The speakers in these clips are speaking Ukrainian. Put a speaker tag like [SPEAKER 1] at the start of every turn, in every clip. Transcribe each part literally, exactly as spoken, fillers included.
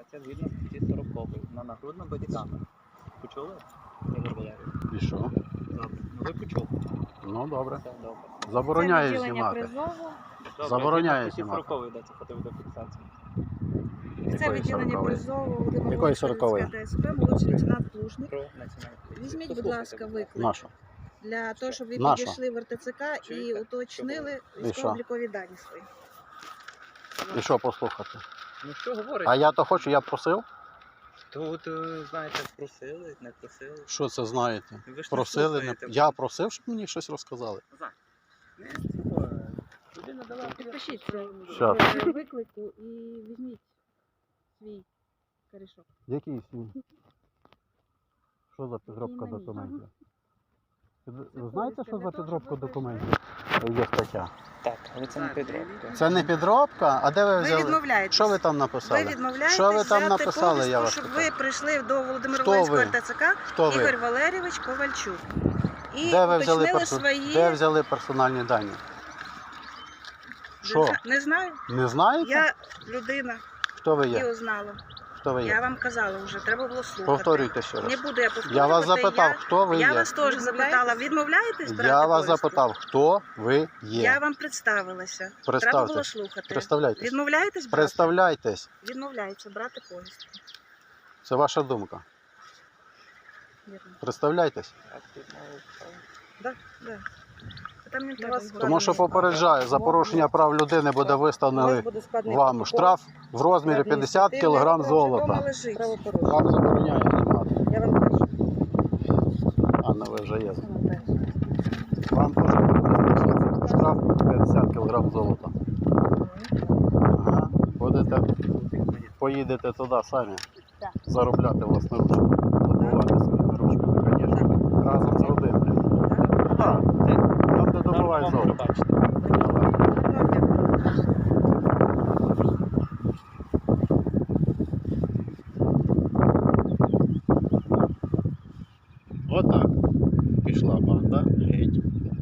[SPEAKER 1] фіксація згідно статті сорокової на нагрудну бодікамеру. Почули? Ігор Валерійович?
[SPEAKER 2] І що?
[SPEAKER 1] Добре. Ну ви почули.
[SPEAKER 2] Ну добре.
[SPEAKER 1] Все добре.
[SPEAKER 2] Забороняє
[SPEAKER 3] Це відділення
[SPEAKER 2] знімати.
[SPEAKER 3] призову.
[SPEAKER 1] Добре,
[SPEAKER 2] Забороняє
[SPEAKER 1] згідно статті
[SPEAKER 2] знімати.
[SPEAKER 1] сорокової йдеться фото-відеофіксація.
[SPEAKER 3] Це
[SPEAKER 2] Якої
[SPEAKER 3] відділення
[SPEAKER 2] сорокової?
[SPEAKER 3] призову Володимир
[SPEAKER 2] Якої сорокової?
[SPEAKER 3] ДСП, молодший лейтенант Плужник.
[SPEAKER 1] Про національну поліцію.
[SPEAKER 3] Візьміть, будь
[SPEAKER 1] Послухайте,
[SPEAKER 3] ласка,
[SPEAKER 1] будь ласка.
[SPEAKER 3] виклик.
[SPEAKER 2] Нашу.
[SPEAKER 3] Для того, щоб ви
[SPEAKER 2] Наша.
[SPEAKER 3] підійшли в ер те це ка і
[SPEAKER 1] Чуєте?
[SPEAKER 3] уточнили
[SPEAKER 2] І
[SPEAKER 3] військово-облікові дані свої.
[SPEAKER 2] І що послухати?
[SPEAKER 1] Ну що говорить?
[SPEAKER 2] А я то хочу, я просив.
[SPEAKER 1] Тут, е, знаєте, просили, не просили.
[SPEAKER 2] Що це знаєте?
[SPEAKER 1] Ви ж не
[SPEAKER 2] Просили, не...
[SPEAKER 1] слухаєте.
[SPEAKER 2] Я просив, щоб мені щось розказали.
[SPEAKER 1] Назар, не цього. Людина дала
[SPEAKER 3] Підпишіть це
[SPEAKER 2] Щас.
[SPEAKER 3] е, виклику і візьміть свій корішок.
[SPEAKER 2] Який сім? Що за підробка
[SPEAKER 3] Імені.
[SPEAKER 2] документів? Ви
[SPEAKER 3] Це
[SPEAKER 2] знаєте,
[SPEAKER 3] повістка
[SPEAKER 2] що
[SPEAKER 3] для
[SPEAKER 2] за
[SPEAKER 3] того,
[SPEAKER 2] підробка
[SPEAKER 3] щоб ви
[SPEAKER 2] документів? Є стаття.
[SPEAKER 1] Так, але це не підробка.
[SPEAKER 2] Це не підробка? А де ви
[SPEAKER 3] Ви
[SPEAKER 2] взяли?
[SPEAKER 3] відмовляєтесь.
[SPEAKER 2] Що ви там
[SPEAKER 3] Ви
[SPEAKER 2] написали?
[SPEAKER 3] відмовляєтесь
[SPEAKER 2] Що ви там
[SPEAKER 3] взяти
[SPEAKER 2] написали, я
[SPEAKER 3] повістку,
[SPEAKER 2] вас
[SPEAKER 3] щоб
[SPEAKER 2] питаю?
[SPEAKER 3] ви прийшли до Володимира
[SPEAKER 2] Хто
[SPEAKER 3] Волинського
[SPEAKER 2] ви?
[SPEAKER 3] ер те це ка
[SPEAKER 2] Хто ви?
[SPEAKER 3] Ігор Валерійович Ковальчук. І
[SPEAKER 2] Де ви, взяли
[SPEAKER 3] уточнили
[SPEAKER 2] персо...
[SPEAKER 3] свої...
[SPEAKER 2] де взяли персональні дані? Що?
[SPEAKER 3] Не знаю.
[SPEAKER 2] Не знаєте?
[SPEAKER 3] Я людина
[SPEAKER 2] Хто ви
[SPEAKER 3] і
[SPEAKER 2] є?
[SPEAKER 3] узнала.
[SPEAKER 2] Хто ви
[SPEAKER 3] Я
[SPEAKER 2] є?
[SPEAKER 3] вам казала вже, треба було слухати.
[SPEAKER 2] Повторюйте ще раз.
[SPEAKER 3] Не буду я повторювати.
[SPEAKER 2] Я вас запитав, хто ви
[SPEAKER 3] Я
[SPEAKER 2] є?
[SPEAKER 3] вас теж запитала, відмовляєтесь брати
[SPEAKER 2] Я вас
[SPEAKER 3] повістку?
[SPEAKER 2] запитав, хто ви є?
[SPEAKER 3] Я вам представилася. Треба було
[SPEAKER 2] Представтесь.
[SPEAKER 3] слухати.
[SPEAKER 2] Представляйтесь.
[SPEAKER 3] Відмовляєтесь брати?
[SPEAKER 2] Представляйтесь.
[SPEAKER 3] Відмовляється брати повістку.
[SPEAKER 2] Це ваша думка.
[SPEAKER 3] Вірно.
[SPEAKER 2] Представляйтесь.
[SPEAKER 1] Так, тут мало цього.
[SPEAKER 3] Да, да. Там не треба
[SPEAKER 2] Тому що попереджаю, за порушення прав людини буде виставлений вам штраф в розмірі п'ятдесят кілограм золота. Вам забороняє знімати.
[SPEAKER 3] Я вам кажу.
[SPEAKER 2] Анна, ви вже є. Вам теж буде штраф п'ятдесят кілограм золота. Ага. Будете, поїдете туди самі.
[SPEAKER 3] Так.
[SPEAKER 2] Заробляти власноручно. Добувати своїми ручками, звісно. Разом з родиною. Так. Там, де добувають
[SPEAKER 1] Нормально
[SPEAKER 2] золото.
[SPEAKER 1] бачите.
[SPEAKER 2] Отак. Пішла банда. Геть.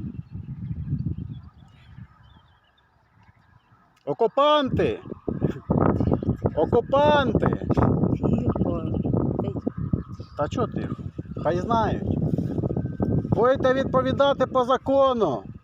[SPEAKER 2] Окупанти! Окупанти! Та чого ти? Хай знають. Будете відповідати по закону.